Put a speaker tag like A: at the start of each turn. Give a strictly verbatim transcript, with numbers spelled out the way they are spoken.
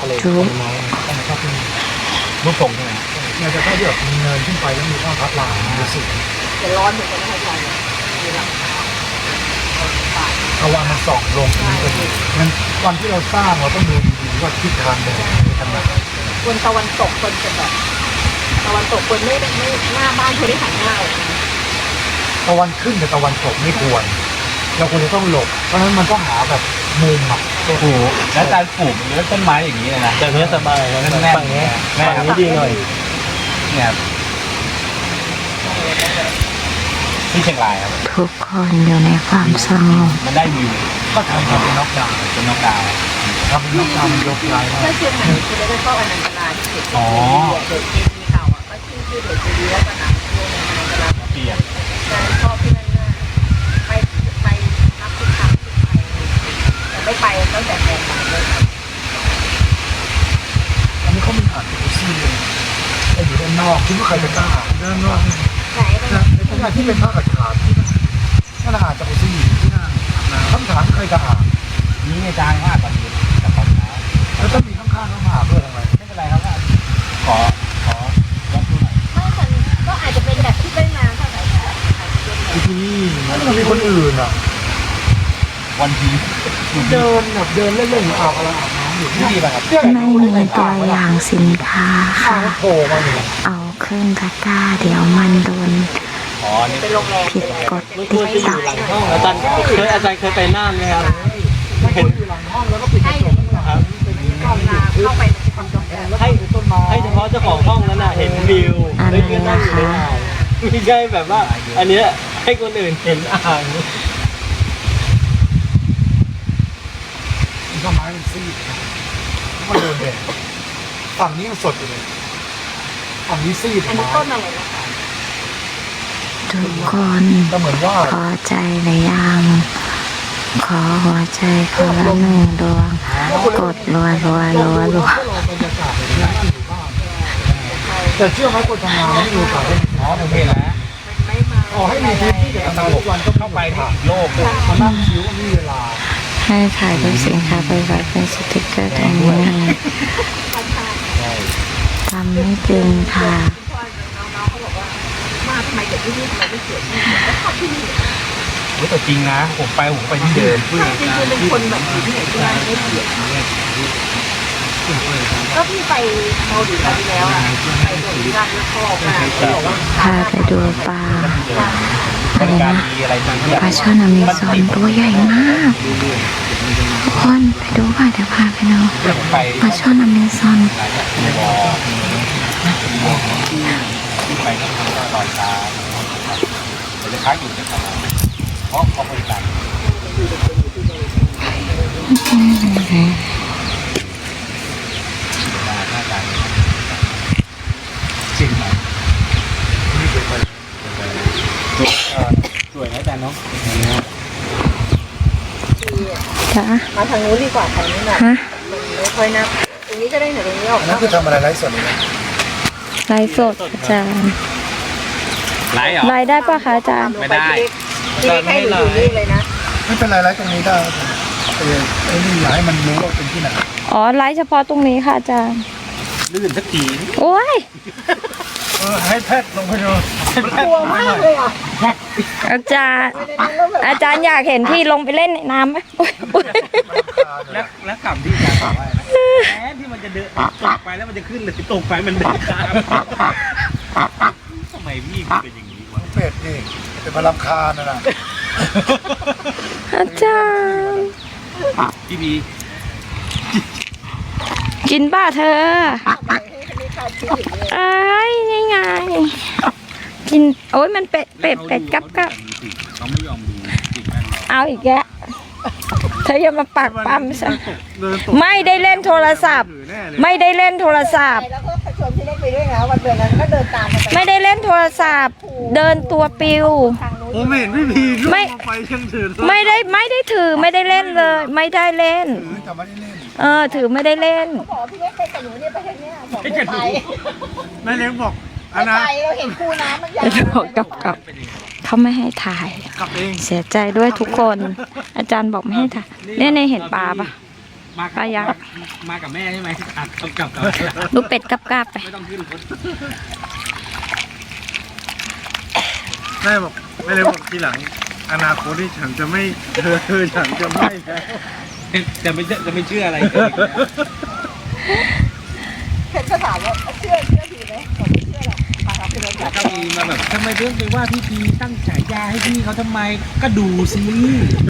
A: ทะเลต้นไม้ต้องชอบที่รูปทรงใช่ไหมเนี่ยจะชอบที่แบบมีเนินขึ้นไปแล้วมีข้าวพัดลาดูสิจะร้อนเหมือนกันนะอาจารย์มีหลังคาตะวันมันส่องลงนี้พอดีงั้นวันที่เราสร้างเราต้องดูดีๆว่าทิศทางเดินไปทางไหน
B: คนตะวันตกคนจะแบบตะวันตกคนไม่ไม่หน้าบ้านคนที่หันหน้าออกมา
A: ตะวันขึ้นกับตะวันตกไม่ควรเราควรจะต้องหลบเพราะฉะนั้นมันก็หาแบบมุมอ่ะ
C: โอ้โหแล้วการปลูกเนื้อต้นไม้อย่างนี้เลยนะ
D: แต่เนื้อสบายนะ
C: แน่นๆ
D: ฝั่งนี้ฝั่งนี้ดีหน่อย
C: เนี่ยที่เชียงรายครับ
E: ทุกคนอยู่ในความสงบ
C: มันได้วิว
A: ก็ทำเป็นน็อกดาวน์
C: เป็นนกดาว
A: ทำเป็นน็อกดาวน์มันยกลาย
B: ถ้าเชียงใหม่คุณจะได้เข้าอนันตนาที่เด็กอ๋อเด็กที่มีข่าวอ่ะก็ชื่อชื่อเด็กดีแล้วก็หนังโรงอนันตนา
C: เปลี่ยน
B: ชอบที่นั่นมากไปไปนับทุกครั้งที่ไปแต่ไม่ไปตั้งแต่แรกเลย
A: อันนี้เขามีอ่านเป็นซีเลยแต่อยู่ด้านนอกคิดว่าใครจะกล้าอ่านด้านนอก
B: ไหนนะ
A: ในขณะที่เป็นผ้าขาดขาดที่นั่นอาจจะเป็นซีที่นั่นคำถามใครจะอ่าน
C: นี่อาจารย์ว่าตอนนี้กับตอนเช้า
A: แล้วต้องมีข้างๆเข้ามาเพื่ออะไร
C: ไม่เป็นไรครับขอขอลองดูหน่อย
B: ไม่มันก็อาจจะเป็นแบบที่ไม่นานเท่าไหร่
A: ที่นี่มันมีคนอื่นอ่ะ
C: วันที
A: เดินแบบเดินเล่นๆอาบอะไรอาบน้ำอยู่
C: ที่ดีป่ะครับ
E: ไม่มีตัวอย่างสินค้าค่ะเอาขึ้นตะกร้าเดี๋ยวมันโดนผิดกฎติ๊กต็อก
D: อาจารย์เคยอาจารย์เคยไปน่านไหมครับ
A: เห็นอยู่หลังห้องแล้วก็ปิดกระจกครับ
B: เข้าไป
D: ให้ให้เฉพาะเจ้าของห้องนั้นน่ะเห็นวิวไม่เกินนั่งอยู่ในอ่างไม่ใช่แบบว่าอันนี้ให้คนอื่นเห็นอ่าง
A: ต้นไม้มันซีดมันเดินเด่นฝั่งนี้มันสดอยู่เลยฝั่งนี้ซีด
B: อันนี้ต้นอะไรนะคะ
E: ทุกคนพอใจหรือยังขอหัวใจคนละหนึ่งดวงกดรัวรัวรัวรัว
A: แต่เชื่อไหมคนทำงานไม่มีโอกาสได้
C: อ๋อโอเคแล้ว
A: อ๋อให้มีทีมที่จะทำทุกวันก็
C: เข้าไปที่อีกโลก
A: มานั่งคิ้วมีเวลา
E: ให้ถ่ายรูปสินค้าไปไว้เป็นสติ๊กเกอร์ตรงนี้นะทำไม่จริงค่ะ
B: มาทำไมเด็กที่นี่ทำไมไม่เสียชื่อก็ชอบที่นี่
C: แต่จริงนะผมไปผมไปที่เดิม
B: จริงๆเป็นคนแบบอยู่ที่ไหนก็ได้ไม่เสียก็พี่ไปเกาหลีครั้งที่แล้วอ่ะไปเกาหลีกันแล้วชอบมาก
E: พาไปดูปลาอะไรนะปลาช่อนอเมซอนตัวใหญ่มากทุกคนไปดูค่ะเดี๋ยวพาไปดูปลาช่อนอเมซอน
C: ไปก็ทำก็ลอยตาเดี๋ยวจะค้างอยู่ในตลาดเพราะเขาบริการจริงไหมนี่เป็นไปสวยนะอาจารย์เนาะ
E: จ้า
B: มาทางนู้นดีกว่าทางนี้หน่อยมันไม่ค่อยนับตรงนี้ก็ได้หน่อยตรงนี้ออก
A: นั่นคือทำอะไรไลฟ์สดเลย
E: ไลฟ์สดอาจารย์
C: ไลฟ์เหรอ
E: ไลฟ์ได้ป่ะคะอาจารย์
C: ไม่ได้
B: ที่แค่อยู่นี่เลยนะ
A: ไม่เป็นไรไลฟ์ตรงนี้ได้เออไอ้นี่อยากให้มันรู้ว่าเป็นที่ไหน
E: อ๋อไลฟ์เฉพาะตรงนี้ค่ะอาจารย์
C: ลื่นสักที
E: โอ้ย
A: เออให้แพทย์ลงไปดู
B: กลัวมากเลยอ่ะ
E: อาจารย์อาจารย์อยากเห็นพี่ลงไปเล่นในน้ำไหม
C: แล้วแล้วกลับที่อาจารย์บอกว่าแม้ที่มันจะเดินตกไปแล้วมันจะขึ้นเลยตกไปมันเดินตามทำไมพี่เป็นอย่างนี้วะ
A: เป็ดนี่เป็นพลังคานะนะ
E: อาจารย์
C: พี่บี
E: กินป่ะเธอไอ้ยังไงกินโอ้ยมันเป็ดเป็ดเป็ดกับกับ
C: เขาไม่ยอมดู
E: เอาอีกแกเธออย่ามาปักปั๊มซะไม่ได้เล่นโทรศัพท์ไม่ได้เล่นโทรศัพท์
B: แล้วก็ชวนพี่เล็กไปด้วยนะวันเดือนนั้นก็เดินตาม
E: ไม่ได้เล่นโทรศัพท์เดินตัวปิว
A: ผมเห็นพี่พีไม่ไปเชิงถือ
E: ไม่ได้ไม่ได้ถือไม่ได้เล่นเลยไม่ได้เล่นเออถือไม่ได้เล่น
B: บอกพี่เล็กไปกับหนูเนี่ยไปทางเนี้ยบอกไม่ไป
A: แม่เล็กบอก
B: อันนั้นเราเห็นคูน้ำมันใหญ่
E: กับกับเขาไม่ให้ถ่ายเสียใจด้วยทุกคนอาจารย์บอกไม่ให้ถ่ายเนี่ยในเห็นปลาปะ
C: มา
E: ปลายักษ์
C: มากับแม่ใช่ไหมขับกลับกับ
E: ดูเป็ดกับกาบไป
C: ไม่ต้องขึ้นรถ
A: แม่บอกไม่เลยบอกทีหลังอนาคตที่ฉันจะไม่เธอเธอฉันจะไม่แล้ว
C: จะไม่จะไม่เชื่ออะไรเลย
B: เห็นก็ถามว่าเชื่อเชื่อทีไหมผมไม่เชื่อหรอกมาครับเป็นรถใหญ่
C: ก็มีมาแบบทำไมเรื่องไปว่าพี่พีตั้งฉายาให้พี่เขาทำไมก็ดูซิ